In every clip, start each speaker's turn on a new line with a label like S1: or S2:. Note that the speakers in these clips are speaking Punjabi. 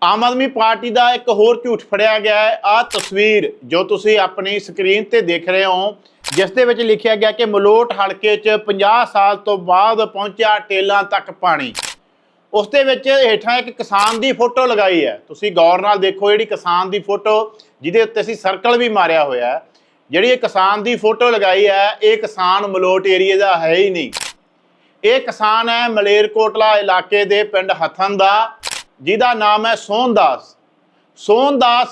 S1: ਆਮ ਆਦਮੀ ਪਾਰਟੀ ਦਾ ਇੱਕ ਹੋਰ ਝੂਠ ਫੜਿਆ ਗਿਆ ਹੈ। ਆਹ ਤਸਵੀਰ ਜੋ ਤੁਸੀਂ ਆਪਣੀ ਸਕਰੀਨ ਤੇ ਦੇਖ ਰਹੇ ਹੋ, ਜਿਸ ਦੇ ਵਿੱਚ ਲਿਖਿਆ ਗਿਆ ਕਿ ਮਲੋਟ ਹਲਕੇ 'ਚ 50 ਸਾਲ ਤੋਂ ਬਾਅਦ ਪਹੁੰਚਿਆ ਟੇਲਾਂ ਤੱਕ ਪਾਣੀ। ਉਸ ਦੇ ਵਿੱਚ ਹੇਠਾਂ ਇੱਕ ਕਿਸਾਨ ਦੀ ਫੋਟੋ ਲਗਾਈ ਹੈ। ਤੁਸੀਂ ਗੌਰ ਨਾਲ ਦੇਖੋ, ਜਿਹੜੀ ਕਿਸਾਨ ਦੀ ਫੋਟੋ ਜਿਹਦੇ ਉੱਤੇ ਅਸੀਂ ਸਰਕਲ ਵੀ ਮਾਰਿਆ ਹੋਇਆ ਹੈ, ਜਿਹੜੀ ਇਹ ਕਿਸਾਨ ਦੀ ਫੋਟੋ ਲਗਾਈ ਹੈ, ਇਹ ਕਿਸਾਨ ਮਲੋਟ ਏਰੀਏ ਦਾ ਹੈ ਹੀ ਨਹੀਂ। ਇਹ ਕਿਸਾਨ ਹੈ ਮਲੇਰਕੋਟਲਾ ਇਲਾਕੇ ਦੇ ਪਿੰਡ ਹਥਨ ਦਾ, ਜਿਹਦਾ ਨਾਮ ਹੈ ਸੋਹਨਦਾਸ। ਸੋਹਨਦਾਸ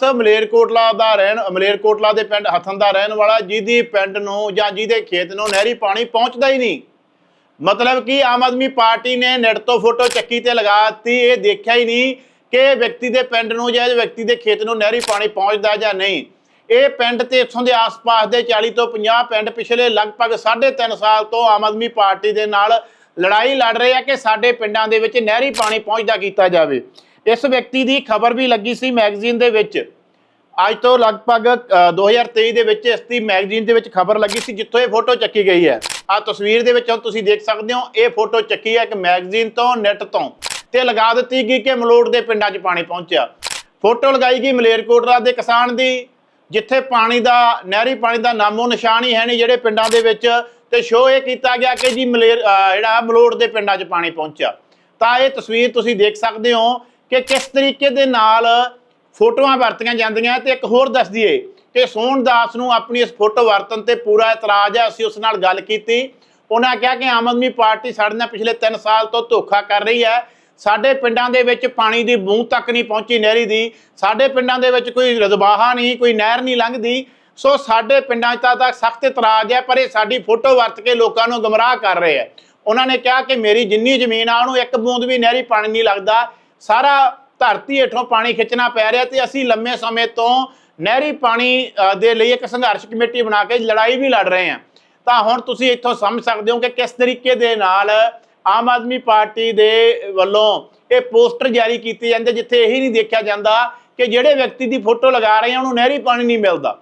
S1: ਮਲੇਰਕੋਟਲਾ ਦੇ ਪਿੰਡ ਹਥਨ ਦਾ ਰਹਿਣ ਵਾਲਾ, ਜਿਹਦੀ ਪਿੰਡ ਨੂੰ ਜਾਂ ਜਿਹਦੇ ਖੇਤ ਨੂੰ ਨਹਿਰੀ ਪਾਣੀ ਪਹੁੰਚਦਾ ਹੀ ਨਹੀਂ। ਮਤਲਬ ਕਿ ਆਮ ਆਦਮੀ ਪਾਰਟੀ ਨੇ ਨੈਟ ਤੋਂ ਫੋਟੋ ਚੱਕੀ ਤੇ ਲਗਾ ਦਿੱਤੀ, ਇਹ ਦੇਖਿਆ ਹੀ ਨਹੀਂ ਕਿ ਵਿਅਕਤੀ ਦੇ ਪਿੰਡ ਨੂੰ ਜਾਂ ਵਿਅਕਤੀ ਦੇ ਖੇਤ ਨੂੰ ਨਹਿਰੀ ਪਾਣੀ ਪਹੁੰਚਦਾ ਜਾਂ ਨਹੀਂ। ਇਹ ਪਿੰਡ ਤੇ ਇੱਥੋਂ ਦੇ ਆਸ-ਪਾਸ ਦੇ 40 ਤੋਂ 50 ਪਿੰਡ ਪਿਛਲੇ ਲਗਭਗ 3.5 ਸਾਲ ਤੋਂ ਆਮ ਆਦਮੀ ਪਾਰਟੀ ਦੇ ਨਾਲ ਲੜਾਈ ਲੜ ਰਹੇ ਆ ਕਿ ਸਾਡੇ ਪਿੰਡਾਂ ਦੇ ਵਿੱਚ ਨਹਿਰੀ ਪਾਣੀ ਪਹੁੰਚਦਾ ਕੀਤਾ ਜਾਵੇ। ਇਸ ਵਿਅਕਤੀ ਦੀ ਖਬਰ ਵੀ ਲੱਗੀ ਸੀ ਮੈਗਜ਼ੀਨ ਦੇ ਵਿੱਚ, ਅੱਜ ਤੋਂ ਲਗਭਗ 2023 ਦੇ ਵਿੱਚ ਇਸ ਦੀ ਮੈਗਜ਼ੀਨ ਦੇ ਵਿੱਚ ਖਬਰ ਲੱਗੀ ਸੀ, ਜਿੱਥੋਂ ਇਹ ਫੋਟੋ ਚੱਕੀ ਗਈ ਹੈ। ਆਹ ਤਸਵੀਰ ਦੇ ਵਿੱਚ ਤੁਸੀਂ ਦੇਖ ਸਕਦੇ ਹੋ, ਇਹ ਫੋਟੋ ਚੱਕੀ ਹੈ ਇੱਕ ਮੈਗਜ਼ੀਨ ਤੋਂ, ਨੈਟ ਤੋਂ, ਤੇ ਲਗਾ ਦਿੱਤੀ ਗਈ ਕਿ ਮਲੋਟ ਦੇ ਪਿੰਡਾਂ 'ਚ ਪਾਣੀ ਪਹੁੰਚਿਆ। ਫੋਟੋ ਲਗਾਈ ਗਈ ਮਲੇਰਕੋਟਲਾ ਦੇ ਕਿਸਾਨ ਦੀ, ਜਿੱਥੇ ਪਾਣੀ ਦਾ ਨਹਿਰੀ ਪਾਣੀ ਦਾ ਨਾਮੋ ਨਿਸ਼ਾਨ ਹੀ ਹੈ ਨਹੀਂ ਜਿਹੜੇ ਪਿੰਡਾਂ ਦੇ ਵਿੱਚ, ਤੇ ਸ਼ੋਅ ਇਹ ਕੀਤਾ ਗਿਆ ਕਿ ਜੀ ਜਿਹੜਾ ਮਲੋਟ ਦੇ ਪਿੰਡਾਂ 'ਚ ਪਾਣੀ ਪਹੁੰਚਿਆ। ਤਾਂ ਇਹ ਤਸਵੀਰ ਤੁਸੀਂ ਦੇਖ ਸਕਦੇ ਹੋ ਕਿ ਕਿਸ ਤਰੀਕੇ ਦੇ ਨਾਲ ਫੋਟੋਆਂ ਵਰਤੀਆਂ ਜਾਂਦੀਆਂ। ਤੇ ਇੱਕ ਹੋਰ ਦੱਸ ਦਈਏ ਕਿ ਸੋਹਨਦਾਸ ਨੂੰ ਆਪਣੀ ਇਸ ਫੋਟੋ ਵਰਤਣ ਤੇ ਪੂਰਾ ਇਤਰਾਜ਼ ਹੈ। ਅਸੀਂ ਉਸ ਨਾਲ ਗੱਲ ਕੀਤੀ, ਉਹਨਾਂ ਕਿਹਾ ਕਿ ਆਮ ਆਦਮੀ ਪਾਰਟੀ ਸਾਡੇ ਨਾਲ ਪਿਛਲੇ 3 ਸਾਲ ਤੋਂ ਧੋਖਾ ਕਰ ਰਹੀ ਹੈ। ਸਾਡੇ ਪਿੰਡਾਂ ਦੇ ਵਿੱਚ ਪਾਣੀ ਦੀ ਬੂੰਦ ਤੱਕ ਨਹੀਂ ਪਹੁੰਚੀ ਨਹਿਰੀ ਦੀ, ਸਾਡੇ ਪਿੰਡਾਂ ਦੇ ਵਿੱਚ ਕੋਈ ਰਜ਼ਬਾਹਾ ਨਹੀਂ, ਕੋਈ ਨਹਿਰ ਨਹੀਂ ਲੰਘਦੀ। ਸੋ ਸਾਡੇ ਪਿੰਡਾਂ 'ਚ ਤਾਂ ਸਖਤ ਇਤਰਾਜ਼ ਹੈ, ਪਰ ਇਹ ਸਾਡੀ ਫੋਟੋ ਵਰਤ ਕੇ ਲੋਕਾਂ ਨੂੰ ਗੁੰਮਰਾਹ ਕਰ ਰਹੇ ਹੈ। ਉਹਨਾਂ ਨੇ ਕਿਹਾ ਕਿ ਮੇਰੀ ਜਿੰਨੀ ਜ਼ਮੀਨ ਆ ਉਹਨੂੰ ਇੱਕ ਬੂੰਦ ਵੀ ਨਹਿਰੀ ਪਾਣੀ ਨਹੀਂ ਲੱਗਦਾ, ਸਾਰਾ ਧਰਤੀ ਹੇਠੋਂ ਪਾਣੀ ਖਿੱਚਣਾ ਪੈ ਰਿਹਾ, ਤੇ ਅਸੀਂ ਲੰਮੇ ਸਮੇਂ ਤੋਂ ਨਹਿਰੀ ਪਾਣੀ ਦੇ ਲਈ ਇੱਕ ਸੰਘਰਸ਼ ਕਮੇਟੀ ਬਣਾ ਕੇ ਲੜਾਈ ਵੀ ਲੜ ਰਹੇ ਹਾਂ। ਤਾਂ ਹੁਣ ਤੁਸੀਂ ਇੱਥੋਂ ਸਮਝ ਸਕਦੇ ਹੋ ਕਿ ਕਿਸ ਤਰੀਕੇ ਦੇ ਨਾਲ ਆਮ ਆਦਮੀ ਪਾਰਟੀ ਦੇ ਵੱਲੋਂ ਇਹ ਪੋਸਟਰ ਜਾਰੀ ਕੀਤੇ ਜਾਂਦੇ, ਜਿੱਥੇ ਇਹੀ ਨਹੀਂ ਦੇਖਿਆ ਜਾਂਦਾ ਕਿ ਜਿਹੜੇ ਵਿਅਕਤੀ ਦੀ ਫੋਟੋ ਲਗਾ ਰਹੇ ਆ ਉਹਨੂੰ ਨਹਿਰੀ ਪਾਣੀ ਨਹੀਂ ਮਿਲਦਾ।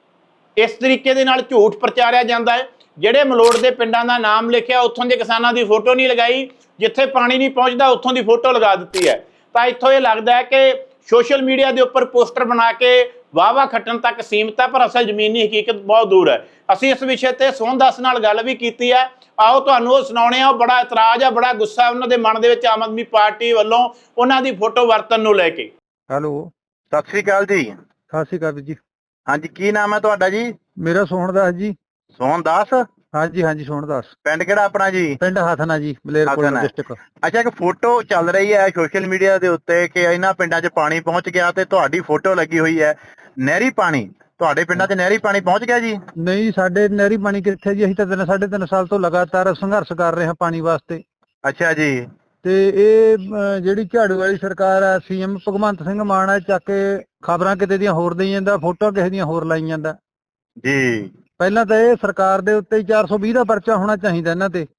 S1: ਇਸ ਤਰੀਕੇ ਦੇ ਨਾਲ ਝੂਠ ਪ੍ਰਚਾਰਿਆ ਜਾਂਦਾ ਹੈ। ਜਿਹੜੇ ਮਲੋਟ ਦੇ ਪਿੰਡਾਂ ਦਾ ਨਾਮ ਲਿਖਿਆ, ਉੱਥੋਂ ਦੇ ਕਿਸਾਨਾਂ ਦੀ ਫੋਟੋ ਨਹੀਂ ਲਗਾਈ, ਜਿੱਥੇ ਪਾਣੀ ਨਹੀਂ ਪਹੁੰਚਦਾ ਉੱਥੋਂ ਦੀ ਫੋਟੋ ਲਗਾ ਦਿੱਤੀ ਹੈ। ਤਾਂ ਇੱਥੋਂ ਇਹ ਲੱਗਦਾ ਹੈ ਕਿ ਸੋਸ਼ਲ ਮੀਡੀਆ ਦੇ ਉੱਪਰ ਪੋਸਟਰ ਬਣਾ ਕੇ ਵਾਹਵਾ ਖੱਟਣ ਤੱਕ ਸੀਮਤ ਹੈ, ਪਰ ਅਸਲ ਜ਼ਮੀਨੀ ਹਕੀਕਤ ਬਹੁਤ ਦੂਰ ਹੈ। ਅਸੀਂ ਇਸ ਵਿਸ਼ੇ ਤੇ ਸੋਹਨਦਾਸ ਨਾਲ ਗੱਲ ਵੀ ਕੀਤੀ ਹੈ, ਆਓ ਤੁਹਾਨੂੰ ਉਹ ਸੁਣਾਉਣੇ ਆ। ਬੜਾ ਇਤਰਾਜ਼ ਆ, ਬੜਾ ਗੁੱਸਾ ਉਹਨਾਂ ਦੇ ਮਨ ਦੇ ਵਿੱਚ ਆਮ ਆਦਮੀ ਪਾਰਟੀ ਵੱਲੋਂ ਉਹਨਾਂ ਦੀ ਫੋਟੋ ਵਰਤਣ ਨੂੰ ਲੈ ਕੇ।
S2: ਹੈਲੋ,
S3: ਸਤਿ ਸ੍ਰੀ ਅਕਾਲ ਜੀ।
S2: ਸਤਿ ਸ਼੍ਰੀ ਅਕਾਲ ਜੀ।
S3: ਹਾਂਜੀ, ਕੀ ਨਾਮ ਹੈ ਤੁਹਾਡਾ ਜੀ?
S2: ਮੇਰਾ ਸੋਹਣਦਾਸ ਜੀ।
S3: ਸੋਹਨਦਾਸ?
S2: ਹਾਂਜੀ ਹਾਂਜੀ, ਸੋਹਣਦਾਸ।
S3: ਪਿੰਡ ਕਿਹੜਾ ਆਪਣਾ ਜੀ?
S2: ਪਿੰਡ ਹਥਨਾ ਜੀ, ਮਲੇਰਕੋਟਲਾ ਡਿਸਟ੍ਰਿਕਟ।
S3: ਅੱਛਾ, ਇੱਕ ਫੋਟੋ ਚੱਲ ਰਹੀ ਹੈ ਸੋਸ਼ਲ ਮੀਡੀਆ ਦੇ ਉੱਤੇ ਕਿ ਇਹਨਾਂ ਪਿੰਡਾਂ 'ਚ ਪਾਣੀ ਪਹੁੰਚ ਗਿਆ, ਤੇ ਤੁਹਾਡੀ ਫੋਟੋ ਲੱਗੀ ਹੋਈ ਹੈ ਨਹਿਰੀ ਪਾਣੀ। ਤੁਹਾਡੇ ਪਿੰਡਾਂ 'ਚ ਨਹਿਰੀ ਪਾਣੀ ਪਹੁੰਚ ਗਿਆ ਜੀ?
S2: ਨਹੀਂ, ਸਾਡੇ ਨਹਿਰੀ ਪਾਣੀ ਕਿੱਥੇ ਜੀ, ਅਸੀਂ ਤਾਂ 3.5 ਸਾਲ ਤੋਂ ਲਗਾਤਾਰ ਸੰਘਰਸ਼ ਕਰ ਰਹੇ ਹਾਂ ਪਾਣੀ ਵਾਸਤੇ।
S3: ਅੱਛਾ ਜੀ।
S2: ਤੇ ਇਹ ਜਿਹੜੀ ਝਾੜੂ ਵਾਲੀ ਸਰਕਾਰ ਆ, ਸੀਐਮ ਭਗਵੰਤ ਸਿੰਘ ਮਾਨ ਆ, ਚੱਕ ਕੇ ਖਬਰਾਂ ਕਿਤੇ ਦੀਆਂ ਹੋਰ ਦੇਈ ਜਾਂਦਾ, ਫੋਟੋ ਕਿਸੇ ਦੀਆਂ ਹੋਰ ਲਾਈ ਜਾਂਦਾ
S3: ਜੀ।
S2: ਪਹਿਲਾਂ ਤਾਂ ਇਹ ਸਰਕਾਰ ਦੇ ਉੱਤੇ 420 ਦਾ ਪਰਚਾ ਹੋਣਾ ਚਾਹੀਦਾ ਇਹਨਾਂ ਤੇ,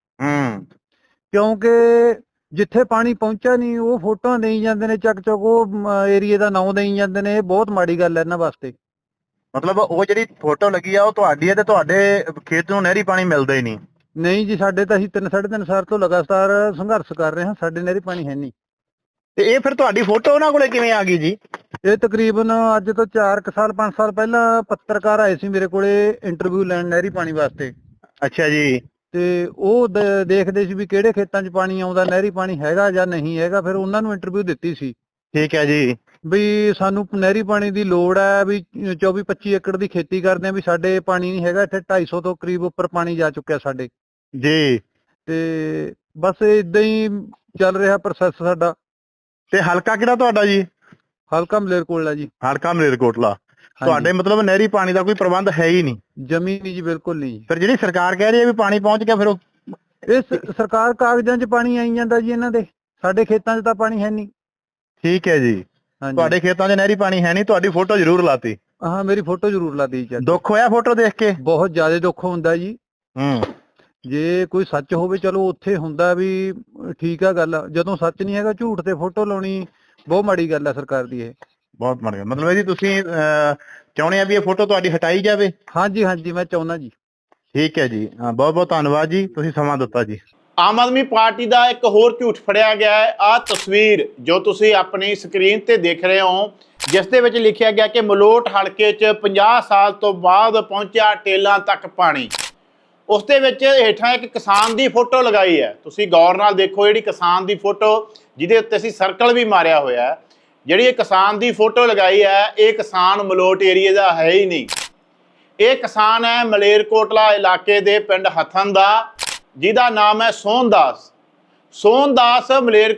S2: ਕਿਉਂਕਿ ਜਿੱਥੇ ਪਾਣੀ ਪਹੁੰਚਿਆ ਨਹੀਂ ਉਹ ਫੋਟੋਆਂ ਦੇਈ ਜਾਂਦੇ ਨੇ ਚੱਕ ਚੁੱਕ, ਉਹ ਏਰੀਏ ਦਾ ਨਾਂ ਦੇਈ ਜਾਂਦੇ ਨੇ। ਇਹ ਬਹੁਤ ਮਾੜੀ ਗੱਲ ਹੈ ਇਹਨਾਂ ਵਾਸਤੇ।
S3: ਮਤਲਬ ਉਹ ਜਿਹੜੀ ਫੋਟੋ ਲੱਗੀ ਆ ਉਹ ਤੁਹਾਡੀ ਹੈ, ਤੇ ਤੁਹਾਡੇ ਖੇਤ ਨੂੰ ਨਹਿਰੀ ਪਾਣੀ ਮਿਲਦਾ ਹੀ ਨਹੀਂ?
S2: ਨਹੀਂ ਜੀ, ਸਾਡੇ ਤਾਂ ਅਸੀਂ 3.5 ਸਾਲ ਤੋਂ ਲਗਾਤਾਰ ਸੰਘਰਸ਼ ਕਰ ਰਹੇ ਹਾਂ, ਸਾਡੇ ਨਹਿਰੀ ਪਾਣੀ ਹੈ ਨਹੀਂ।
S3: ਤੇ ਇਹ ਫਿਰ ਤੁਹਾਡੀ ਫੋਟੋ ਉਹਨਾਂ ਕੋਲੇ ਕਿਵੇਂ ਆ ਗਈ ਜੀ?
S2: ਇਹ ਤਕਰੀਬਨ ਅੱਜ ਤੋਂ 4 ਸਾਲ 5 ਸਾਲ ਪਹਿਲਾਂ ਪੱਤਰਕਾਰ ਆਏ ਸੀ ਮੇਰੇ ਕੋਲੇ ਇੰਟਰਵਿਊ ਲੈਣ ਨਹਿਰੀ ਪਾਣੀ ਵਾਸਤੇ।
S3: ਅੱਛਾ ਜੀ।
S2: ਤੇ ਉਹ ਦੇਖਦੇ ਸੀ ਵੀ ਕਿਹੜੇ ਖੇਤਾਂ 'ਚ ਪਾਣੀ ਆਉਂਦਾ, ਨਹਿਰੀ ਪਾਣੀ ਹੈਗਾ ਜਾਂ ਨਹੀਂ ਹੈਗਾ, ਫਿਰ ਉਹਨਾਂ ਨੂੰ ਇੰਟਰਵਿਊ ਦਿੱਤੀ ਸੀ।
S3: ਠੀਕ ਹੈ ਜੀ।
S2: ਵੀ ਸਾਨੂੰ ਨਹਿਰੀ ਪਾਣੀ ਦੀ ਲੋੜ ਹੈ, ਵੀ 24-25 ਏਕੜ ਦੀ ਖੇਤੀ ਕਰਦੇ ਆ, ਵੀ ਸਾਡੇ ਪਾਣੀ ਨਹੀਂ ਹੈਗਾ। ਇੱਥੇ 250 ਤੋਂ ਕਰੀਬ ਉੱਪਰ ਪਾਣੀ ਜਾ ਚੁੱਕਿਆ ਸਾਡੇ
S3: ਜੀ।
S2: ਤੇ ਬਸ ਏਦਾਂ ਹੀ ਚੱਲ ਰਿਹਾ ਪ੍ਰੋਸੈਸ ਸਾਡਾ।
S3: ਤੇ ਹਲਕਾ ਕਿਹੜਾ ਤੁਹਾਡਾ ਜੀ?
S2: ਹਲਕਾ ਮਲੇਰਕੋਟਲਾ ਜੀ।
S3: ਹਲਕਾ ਮਲੇਰਕੋਟਲਾ। ਤੁਹਾਡੇ ਮਤਲਬ ਨਹਿਰੀ ਪਾਣੀ ਦਾ ਕੋਈ ਪ੍ਰਬੰਧ ਹੈ ਹੀ ਨਹੀਂ?
S2: ਜਮੀ ਨਹੀਂ ਜੀ, ਬਿਲਕੁਲ ਨਹੀਂ।
S3: ਫਿਰ ਜਿਹੜੀ ਸਰਕਾਰ ਕਹਿ ਰਹੀ ਹੈ ਵੀ ਪਾਣੀ ਪਹੁੰਚ ਗਿਆ, ਫਿਰ ਉਹ
S2: ਇਹ ਸਰਕਾਰ ਕਾਗਜ਼ਾਂ 'ਚ ਪਾਣੀ ਆਈ ਜਾਂਦਾ ਜੀ ਇਹਨਾਂ ਦੇ, ਸਾਡੇ ਖੇਤਾਂ 'ਚ ਤਾਂ ਪਾਣੀ ਹੈ ਨਹੀਂ।
S3: ਠੀਕ ਹੈ ਜੀ। ਤੁਹਾਡੇ ਖੇਤਾਂ 'ਚ ਨਹਿਰੀ ਪਾਣੀ ਹੈ ਨਹੀਂ, ਤੁਹਾਡੀ ਫੋਟੋ ਜ਼ਰੂਰ ਲਾਤੀ?
S2: ਹਾਂ, ਮੇਰੀ ਫੋਟੋ ਜ਼ਰੂਰ ਲਾਤੀ ਜੀ।
S3: ਦੁੱਖ ਹੋਇਆ ਫੋਟੋ ਦੇਖ ਕੇ?
S2: ਬਹੁਤ ਜ਼ਿਆਦਾ ਦੁੱਖ ਹੁੰਦਾ ਜੀ। ਜੇ ਕੋਈ ਸੱਚ ਹੋਵੇ ਚਲੋ ਉੱਥੇ ਹੁੰਦਾ ਵੀ ਠੀਕ ਆ ਗੱਲ, ਜਦੋਂ ਸੱਚ ਨਹੀਂ ਹੈਗਾ ਝੂਠ ਤੇ ਫੋਟੋ ਲਾਉਣੀ ਬਹੁਤ ਮਾੜੀ ਗੱਲ ਹੈ ਸਰਕਾਰ ਦੀ। ਇਹ
S3: ਬਹੁਤ ਮਾੜੀ ਗੱਲ। ਮਤਲਬ ਜੀ ਤੁਸੀਂ ਚਾਹੁੰਦੇ ਆ ਵੀ ਇਹ ਫੋਟੋ ਤੁਹਾਡੀ ਹਟਾਈ ਜਾਵੇ?
S2: ਹਾਂਜੀ ਹਾਂਜੀ, ਮੈਂ ਚਾਹੁੰਦਾ ਜੀ।
S3: ਠੀਕ ਹੈ ਜੀ, ਬਹੁਤ ਬਹੁਤ ਧੰਨਵਾਦ ਜੀ, ਤੁਸੀਂ ਸਮਾਂ ਦਿੱਤਾ ਜੀ।
S1: ਆਮ ਆਦਮੀ ਪਾਰਟੀ ਦਾ ਇੱਕ ਹੋਰ ਝੂਠ ਫੜਿਆ ਗਿਆ ਹੈ। ਆਹ ਤਸਵੀਰ ਜੋ ਤੁਸੀਂ ਆਪਣੀ ਸਕਰੀਨ ਤੇ ਦੇਖ ਰਹੇ ਹੋ, ਜਿਸ ਦੇ ਵਿੱਚ ਲਿਖਿਆ ਗਿਆ ਕਿ ਮਲੋਟ ਹਲਕੇ 'ਚ 50 ਸਾਲ ਤੋਂ ਬਾਅਦ ਪਹੁੰਚਿਆ ਟੇਲਾਂ ਤੱਕ ਪਾਣੀ। ਉਸ ਦੇ ਵਿੱਚ ਹੇਠਾਂ ਇੱਕ ਕਿਸਾਨ ਦੀ ਫੋਟੋ ਲਗਾਈ ਹੈ। ਤੁਸੀਂ ਗੌਰ ਨਾਲ ਦੇਖੋ, ਜਿਹੜੀ ਕਿਸਾਨ ਦੀ ਫੋਟੋ ਜਿਹਦੇ ਉੱਤੇ ਅਸੀਂ ਸਰਕਲ ਵੀ ਮਾਰਿਆ ਹੋਇਆ ਹੈ, ਜਿਹੜੀ ਇਹ ਕਿਸਾਨ ਦੀ ਫੋਟੋ ਲਗਾਈ ਹੈ, ਇਹ ਕਿਸਾਨ ਮਲੋਟ ਏਰੀਏ ਦਾ ਹੈ ਹੀ ਨਹੀਂ। ਇਹ ਕਿਸਾਨ ਹੈ ਮਲੇਰਕੋਟਲਾ ਇਲਾਕੇ ਦੇ ਪਿੰਡ ਹਥਨ ਦਾ, ਜਿਹਦਾ ਨਾਮ ਹੈ ਸੋਹਨਦਾਸ। ਸੋਹਨਦਾਸ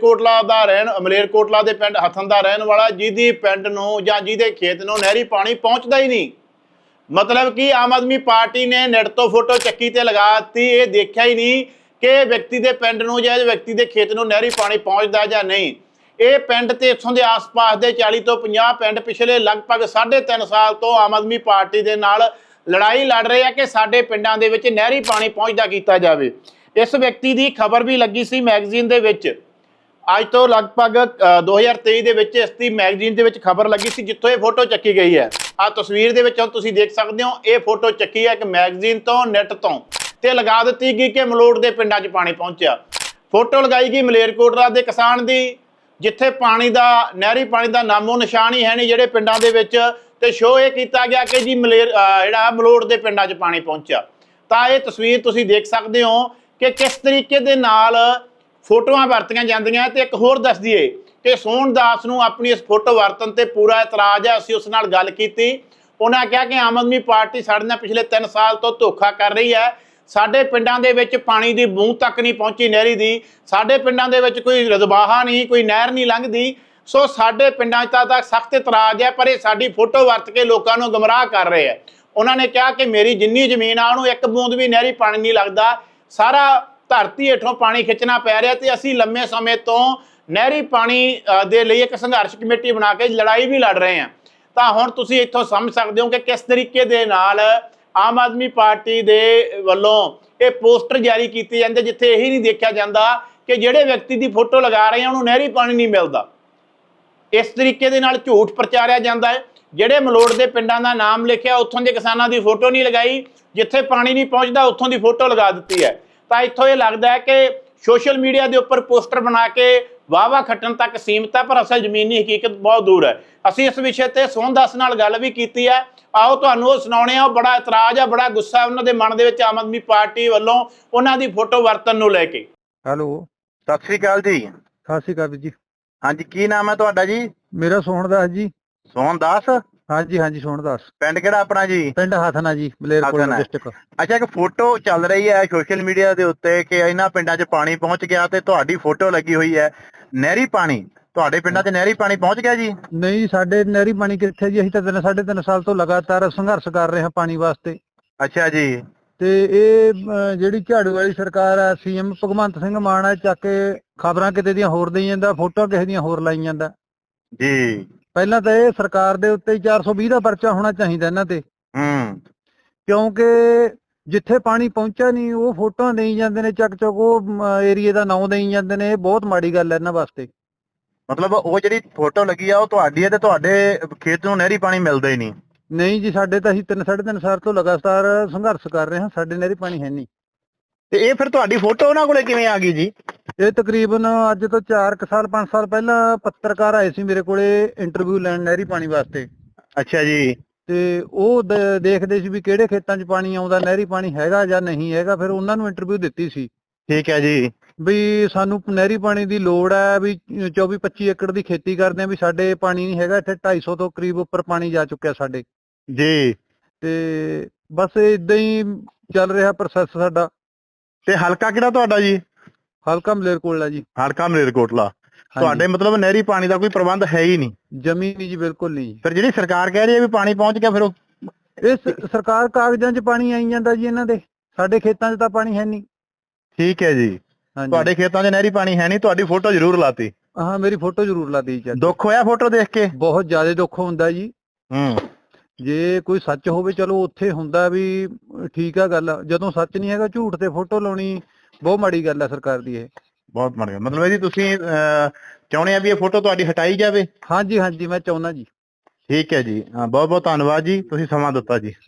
S1: ਮਲੇਰਕੋਟਲਾ ਦੇ ਪਿੰਡ ਹਥਨ ਦਾ ਰਹਿਣ ਵਾਲਾ, ਜਿਹਦੀ ਪਿੰਡ ਨੂੰ ਜਾਂ ਜਿਹਦੇ ਖੇਤ ਨੂੰ ਨਹਿਰੀ ਪਾਣੀ ਪਹੁੰਚਦਾ ਹੀ ਨਹੀਂ। ਮਤਲਬ ਕਿ ਆਮ ਆਦਮੀ ਪਾਰਟੀ ਨੇ ਨੈਟ ਤੋਂ ਫੋਟੋ ਚੱਕੀ ਤੇ ਲਗਾ ਦਿੱਤੀ, ਇਹ ਦੇਖਿਆ ਹੀ ਨਹੀਂ ਕਿ ਵਿਅਕਤੀ ਦੇ ਪਿੰਡ ਨੂੰ ਜਾਂ ਵਿਅਕਤੀ ਦੇ ਖੇਤ ਨੂੰ ਨਹਿਰੀ ਪਾਣੀ ਪਹੁੰਚਦਾ ਜਾਂ ਨਹੀਂ। ਇਹ ਪਿੰਡ ਤੇ ਇੱਥੋਂ ਦੇ ਆਸ-ਪਾਸ ਦੇ 40 ਤੋਂ 50 ਪਿੰਡ ਪਿਛਲੇ ਲਗਭਗ 3.5 ਸਾਲ ਤੋਂ ਆਮ ਆਦਮੀ ਪਾਰਟੀ ਦੇ ਨਾਲ ਲੜਾਈ ਲੜ ਰਹੇ ਆ ਕਿ ਸਾਡੇ ਪਿੰਡਾਂ ਦੇ ਵਿੱਚ ਨਹਿਰੀ ਪਾਣੀ ਪਹੁੰਚਦਾ ਕੀਤਾ ਜਾਵੇ। ਇਸ ਵਿਅਕਤੀ ਦੀ ਖਬਰ ਵੀ ਲੱਗੀ ਸੀ ਮੈਗਜ਼ੀਨ ਦੇ ਵਿੱਚ। ਅੱਜ ਤੋਂ ਲਗਭਗ 2023 ਦੇ ਵਿੱਚ ਇਸ ਦੀ ਮੈਗਜ਼ੀਨ ਦੇ ਵਿੱਚ ਖਬਰ ਲੱਗੀ ਸੀ, ਜਿੱਥੋਂ ਇਹ ਫੋਟੋ ਚੱਕੀ ਗਈ ਹੈ। ਆਹ ਤਸਵੀਰ ਦੇ ਵਿੱਚ ਹੁਣ ਤੁਸੀਂ ਦੇਖ ਸਕਦੇ ਹੋ, ਇਹ ਫੋਟੋ ਚੱਕੀ ਹੈ ਇੱਕ ਮੈਗਜ਼ੀਨ ਤੋਂ, ਨੈਟ ਤੋਂ, ਤੇ ਲਗਾ ਦਿੱਤੀ ਗਈ ਕਿ ਮਲੋਟ ਦੇ ਪਿੰਡਾਂ 'ਚ ਪਾਣੀ ਪਹੁੰਚਿਆ। ਫੋਟੋ ਲਗਾਈ ਗਈ ਮਲੇਰਕੋਟਲਾ ਦੇ ਕਿਸਾਨ ਦੀ, ਜਿੱਥੇ ਪਾਣੀ ਦਾ ਨਹਿਰੀ ਪਾਣੀ ਦਾ ਨਾਮੋ ਨਿਸ਼ਾਨ ਹੀ ਹੈ ਨਹੀਂ ਜਿਹੜੇ ਪਿੰਡਾਂ ਦੇ ਵਿੱਚ, ਤੇ ਸ਼ੋਅ ਇਹ ਕੀਤਾ ਗਿਆ ਕਿ ਜੀ ਜਿਹੜਾ ਮਲੋਟ ਦੇ ਪਿੰਡਾਂ 'ਚ ਪਾਣੀ ਪਹੁੰਚਿਆ। ਤਾਂ ਇਹ ਤਸਵੀਰ ਤੁਸੀਂ ਦੇਖ ਸਕਦੇ ਹੋ ਕਿ ਕਿਸ ਤਰੀਕੇ ਦੇ ਨਾਲ ਫੋਟੋਆਂ ਵਰਤੀਆਂ ਜਾਂਦੀਆਂ। ਤੇ ਇੱਕ ਹੋਰ ਦੱਸ ਦਈਏ ਕਿ ਸੋਹਨਦਾਸ ਨੂੰ ਆਪਣੀ ਇਸ ਫੋਟੋ ਵਰਤਣ ਤੇ ਪੂਰਾ ਇਤਰਾਜ਼ ਹੈ। ਅਸੀਂ ਉਸ ਨਾਲ ਗੱਲ ਕੀਤੀ, ਉਹਨਾਂ ਕਿਹਾ ਕਿ ਆਮ ਆਦਮੀ ਪਾਰਟੀ ਸਾਡੇ ਨਾਲ ਪਿਛਲੇ 3 ਸਾਲ ਤੋਂ ਧੋਖਾ ਕਰ ਰਹੀ ਹੈ। ਸਾਡੇ ਪਿੰਡਾਂ ਦੇ ਵਿੱਚ ਪਾਣੀ ਦੀ ਬੂੰਦ ਤੱਕ ਨਹੀਂ ਪਹੁੰਚੀ ਨਹਿਰੀ ਦੀ, ਸਾਡੇ ਪਿੰਡਾਂ ਦੇ ਵਿੱਚ ਕੋਈ ਰਜ਼ਬਾਹਾ ਨਹੀਂ, ਕੋਈ ਨਹਿਰ ਨਹੀਂ ਲੰਘਦੀ। ਸੋ ਸਾਡੇ ਪਿੰਡਾਂ 'ਚ ਤਾਂ ਸਖਤ ਇਤਰਾਜ਼ ਹੈ, ਪਰ ਇਹ ਸਾਡੀ ਫੋਟੋ ਵਰਤ ਕੇ ਲੋਕਾਂ ਨੂੰ ਗੁੰਮਰਾਹ ਕਰ ਰਹੇ ਹੈ। ਉਹਨਾਂ ਨੇ ਕਿਹਾ ਕਿ ਮੇਰੀ ਜਿੰਨੀ ਜ਼ਮੀਨ ਆ ਉਹਨੂੰ ਇੱਕ ਬੂੰਦ ਵੀ ਨਹਿਰੀ ਪਾਣੀ ਨਹੀਂ ਲੱਗਦਾ, ਸਾਰਾ ਧਰਤੀ ਹੇਠੋਂ ਪਾਣੀ ਖਿੱਚਣਾ ਪੈ ਰਿਹਾ, ਤੇ ਅਸੀਂ ਲੰਮੇ ਸਮੇਂ ਤੋਂ ਨਹਿਰੀ ਪਾਣੀ ਦੇ ਲਈ ਇੱਕ ਸੰਘਰਸ਼ ਕਮੇਟੀ ਬਣਾ ਕੇ ਲੜਾਈ ਵੀ ਲੜ ਰਹੇ ਹਾਂ। ਤਾਂ ਹੁਣ ਤੁਸੀਂ ਇੱਥੋਂ ਸਮਝ ਸਕਦੇ ਹੋ ਕਿ ਕਿਸ ਤਰੀਕੇ ਦੇ ਨਾਲ ਆਮ ਆਦਮੀ ਪਾਰਟੀ ਦੇ ਵੱਲੋਂ ਇਹ ਪੋਸਟਰ ਜਾਰੀ ਕੀਤੇ ਜਾਂਦੇ, ਜਿੱਥੇ ਇਹੀ ਨਹੀਂ ਦੇਖਿਆ ਜਾਂਦਾ ਕਿ ਜਿਹੜੇ ਵਿਅਕਤੀ ਦੀ ਫੋਟੋ ਲਗਾ ਰਹੇ ਆ ਉਹਨੂੰ ਨਹਿਰੀ ਪਾਣੀ ਨਹੀਂ ਮਿਲਦਾ। ਇਸ ਤਰੀਕੇ ਦੇ ਨਾਲ ਝੂਠ ਪ੍ਰਚਾਰਿਆ ਜਾਂਦਾ ਹੈ। ਜਿਹੜੇ ਮਲੋਟ ਦੇ ਪਿੰਡਾਂ ਦਾ ਨਾਮ ਲਿਖਿਆ, ਉੱਥੋਂ ਦੇ ਕਿਸਾਨਾਂ ਦੀ ਫੋਟੋ ਨਹੀਂ ਲਗਾਈ, ਜਿੱਥੇ ਪਾਣੀ ਨਹੀਂ ਪਹੁੰਚਦਾ ਉੱਥੋਂ ਦੀ ਫੋਟੋ ਲਗਾ ਦਿੱਤੀ ਹੈ। ਤਾਂ ਇੱਥੋਂ ਇਹ ਲੱਗਦਾ ਹੈ ਕਿ ਸੋਸ਼ਲ ਮੀਡੀਆ ਦੇ ਉੱਪਰ ਪੋਸਟਰ ਬਣਾ ਕੇ ਵਾਹਵਾ ਖੱਟਣ ਤੱਕ ਸੀਮਤ ਹੈ, ਪਰ ਅਸਲ ਜ਼ਮੀਨੀ ਹਕੀਕਤ ਬਹੁਤ ਦੂਰ ਹੈ। ਅਸੀਂ ਇਸ ਵਿਸ਼ੇ ਤੇ ਸੋਹਨਦਾਸ ਨਾਲ ਗੱਲ ਵੀ ਕੀਤੀ ਹੈ, ਆਓ ਤੁਹਾਨੂੰ ਉਹ ਸੁਣਾਉਣੇ ਆ। ਉਹ ਬੜਾ ਇਤਰਾਜ਼ ਆ, ਬੜਾ ਗੁੱਸਾ ਉਹਨਾਂ ਦੇ ਮਨ ਦੇ ਵਿੱਚ ਆਮ ਆਦਮੀ ਪਾਰਟੀ ਵੱਲੋਂ ਉਹਨਾਂ ਦੀ ਫੋਟੋ ਵਰਤਣ ਨੂੰ ਲੈ ਕੇ।
S2: ਹੈਲੋ,
S3: ਸਤਿ ਸ੍ਰੀ ਅਕਾਲ ਜੀ।
S2: ਸਤਿ ਸ਼੍ਰੀ ਅਕਾਲ ਜੀ।
S3: ਹਾਂਜੀ, ਕੀ ਨਾਮ ਹੈ ਤੁਹਾਡਾ ਜੀ?
S2: ਮੇਰਾ ਸੋਹਣਦਾਸ ਜੀ।
S3: ਸੋਹਨਦਾਸ?
S2: ਹਾਂਜੀ ਹਾਂਜੀ, ਸੋਹਣਦਾਸ।
S3: ਪਿੰਡ ਕਿਹੜਾ ਆਪਣਾ ਜੀ?
S2: ਪਿੰਡ ਹਥਨਾ ਜੀ, ਮਲੇਰਕੋਟਲਾ ਡਿਸਟ੍ਰਿਕਟ।
S3: ਅੱਛਾ, ਇੱਕ ਫੋਟੋ ਚੱਲ ਰਹੀ ਹੈ ਸੋਸ਼ਲ ਮੀਡੀਆ ਦੇ ਉੱਤੇ ਕਿ ਇਹਨਾਂ ਪਿੰਡਾਂ 'ਚ ਪਾਣੀ ਪਹੁੰਚ ਗਿਆ, ਤੇ ਤੁਹਾਡੀ ਫੋਟੋ ਲੱਗੀ ਹੋਈ ਹੈ ਨਹਿਰੀ ਪਾਣੀ। ਤੁਹਾਡੇ ਪਿੰਡਾਂ 'ਚ ਨਹਿਰੀ ਪਾਣੀ ਪਹੁੰਚ ਗਿਆ ਜੀ?
S2: ਨਹੀਂ, ਸਾਡੇ ਨਹਿਰੀ ਪਾਣੀ ਕਿੱਥੇ ਜੀ, ਅਸੀਂ ਤਾਂ 3.5 ਸਾਲ ਤੋਂ ਲਗਾਤਾਰ ਸੰਘਰਸ਼ ਕਰ ਰਹੇ ਹਾਂ ਪਾਣੀ ਵਾਸਤੇ।
S3: ਅੱਛਾ ਜੀ।
S2: ਤੇ ਇਹ ਜਿਹੜੀ ਝਾੜੂ ਵਾਲੀ ਸਰਕਾਰ ਆ, ਸੀਐਮ ਭਗਵੰਤ ਸਿੰਘ ਮਾਨ ਆ, ਚੱਕ ਕੇ ਖਬਰਾਂ ਕਿਤੇ ਦੀਆਂ ਹੋਰ ਦੇਈ ਜਾਂਦਾ, ਫੋਟੋਆਂ ਕਿਸੇ ਦੀਆਂ ਹੋਰ ਲਾਈ ਜਾਂਦਾ
S3: ਜੀ।
S2: ਪਹਿਲਾਂ ਤਾਂ ਇਹ ਸਰਕਾਰ ਦੇ ਉੱਤੇ 420 ਦਾ ਪਰਚਾ ਹੋਣਾ ਚਾਹੀਦਾ ਇਹਨਾਂ ਤੇ, ਕਿਉਂਕਿ ਜਿੱਥੇ ਪਾਣੀ ਪਹੁੰਚਿਆ ਨਹੀਂ ਉਹ ਫੋਟੋਆਂ ਦੇਈ ਜਾਂਦੇ ਨੇ, ਚੱਕ ਉਹ ਏਰੀਏ ਦਾ ਨਾਂ ਦੇਈ ਜਾਂਦੇ ਨੇ। ਇਹ ਬਹੁਤ ਮਾੜੀ ਗੱਲ ਹੈ ਇਹਨਾਂ ਵਾਸਤੇ।
S3: ਮਤਲਬ ਉਹ ਜਿਹੜੀ ਫੋਟੋ ਲੱਗੀ ਆ ਉਹ ਤੁਹਾਡੀ ਹੈ, ਤੇ ਤੁਹਾਡੇ ਖੇਤ ਨੂੰ ਨਹਿਰੀ ਪਾਣੀ ਮਿਲਦਾ ਹੀ ਨਹੀਂ?
S2: ਨਹੀਂ ਜੀ, ਸਾਡੇ ਤਾਂ ਅਸੀਂ 3.5 ਸਾਲ ਤੋਂ ਲਗਾਤਾਰ ਸੰਘਰਸ਼ ਕਰ ਰਹੇ ਹਾਂ, ਸਾਡੇ ਨਹਿਰੀ ਪਾਣੀ ਹੈ ਨਹੀਂ।
S3: ਤੇ ਇਹ ਫਿਰ ਤੁਹਾਡੀ ਫੋਟੋ ਉਹਨਾਂ ਕੋਲੇ ਕਿਵੇਂ ਆ ਗਈ ਜੀ?
S2: ਇਹ ਤਕਰੀਬਨ ਅੱਜ ਤੋਂ 5 ਸਾਲ ਪਹਿਲਾਂ ਪੱਤਰਕਾਰ ਆਏ ਸੀ ਮੇਰੇ ਕੋਲੇ ਇੰਟਰਵਿਊ ਲੈਣ ਨਹਿਰੀ ਪਾਣੀ ਵਾਸਤੇ।
S3: ਅੱਛਾ ਜੀ।
S2: ਤੇ ਉਹ ਦੇਖਦੇ ਸੀ ਵੀ ਕਿਹੜੇ ਖੇਤਾਂ 'ਚ ਪਾਣੀ ਆਉਂਦਾ, ਨਹਿਰੀ ਪਾਣੀ ਹੈਗਾ ਜਾਂ ਨਹੀਂ ਹੈਗਾ। ਫਿਰ ਉਹਨਾਂ ਨੂੰ ਇੰਟਰਵਿਊ ਦਿੱਤੀ ਸੀ।
S3: ਠੀਕ ਹੈ ਜੀ।
S2: ਵੀ ਸਾਨੂੰ ਨਹਿਰੀ ਪਾਣੀ ਦੀ ਲੋੜ ਹੈ, ਵੀ 24-25 ਏਕੜ ਦੀ ਖੇਤੀ ਕਰਦੇ ਆ, ਵੀ ਸਾਡੇ ਪਾਣੀ ਨਹੀਂ ਹੈਗਾ ਇੱਥੇ। 250 ਤੋਂ ਕਰੀਬ ਉੱਪਰ ਪਾਣੀ ਜਾ ਚੁੱਕਿਆ ਸਾਡੇ
S3: ਜੀ।
S2: ਤੇ ਬਸ ਇਦਾਂ ਹੀ ਚੱਲ ਰਿਹਾ ਪ੍ਰੋਸੈਸ ਸਾਡਾ।
S3: ਤੇ ਹਲਕਾ ਕਿਹੜਾ ਤੁਹਾਡਾ ਜੀ?
S2: ਹਲਕਾ ਮਲੇਰਕੋਟਲਾ ਜੀ।
S3: ਹਲਕਾ ਮਲੇਰਕੋਟਲਾ। ਤੁਹਾਡੇ ਮਤਲਬ ਨਹਿਰੀ ਪਾਣੀ ਦਾ ਕੋਈ ਪ੍ਰਬੰਧ ਹੈ ਹੀ ਨਹੀਂ?
S2: ਜਮੀ ਨਹੀਂ ਜੀ, ਬਿਲਕੁਲ ਨਹੀਂ।
S3: ਫਿਰ ਜਿਹੜੀ ਸਰਕਾਰ ਕਹਿ ਰਹੀ ਹੈ ਵੀ ਪਾਣੀ ਪਹੁੰਚ ਗਿਆ, ਫਿਰ ਉਹ
S2: ਸਰਕਾਰ ਕਾਗਜ਼ਾਂ 'ਚ ਪਾਣੀ ਆਈ ਜਾਂਦਾ ਜੀ ਇਹਨਾਂ ਦੇ, ਸਾਡੇ ਖੇਤਾਂ 'ਚ ਤਾਂ ਪਾਣੀ ਹੈ ਨਹੀਂ।
S3: ਠੀਕ ਹੈ ਜੀ। ਤੁਹਾਡੇ ਖੇਤਾਂ 'ਚ ਨਹਿਰੀ ਪਾਣੀ ਹੈ ਨਹੀਂ, ਤੁਹਾਡੀ ਫੋਟੋ ਜ਼ਰੂਰ ਲਾਤੀ?
S2: ਹਾਂ, ਮੇਰੀ ਫੋਟੋ ਜ਼ਰੂਰ ਲਾਤੀ ਜੀ।
S3: ਦੁੱਖ ਹੋਇਆ ਫੋਟੋ ਦੇਖ ਕੇ?
S2: ਬਹੁਤ ਜ਼ਿਆਦਾ ਦੁੱਖ ਹੁੰਦਾ ਜੀ। ਜੇ ਕੋਈ ਸੱਚ ਹੋਵੇ ਚਲੋ ਉੱਥੇ ਹੁੰਦਾ ਵੀ ਠੀਕ ਆ ਗੱਲ, ਜਦੋਂ ਸੱਚ ਨਹੀਂ ਹੈਗਾ ਝੂਠ ਤੇ ਫੋਟੋ ਲਾਉਣੀ ਬਹੁਤ ਮਾੜੀ ਗੱਲ ਹੈ ਸਰਕਾਰ ਦੀ। ਇਹ
S3: ਬਹੁਤ ਮਾੜੀ। ਮਤਲਬ ਇਹਦੀ ਤੁਸੀਂ ਚਾਹੁੰਦੇ ਆ ਵੀ ਇਹ ਫੋਟੋ ਤੁਹਾਡੀ ਹਟਾਈ ਜਾਵੇ?
S2: ਹਾਂਜੀ ਹਾਂਜੀ, ਮੈਂ ਚਾਹੁੰਦਾ ਜੀ।
S3: ਠੀਕ ਹੈ ਜੀ, ਬਹੁਤ ਬਹੁਤ ਧੰਨਵਾਦ ਜੀ, ਤੁਸੀਂ ਸਮਾਂ ਦਿੱਤਾ ਜੀ।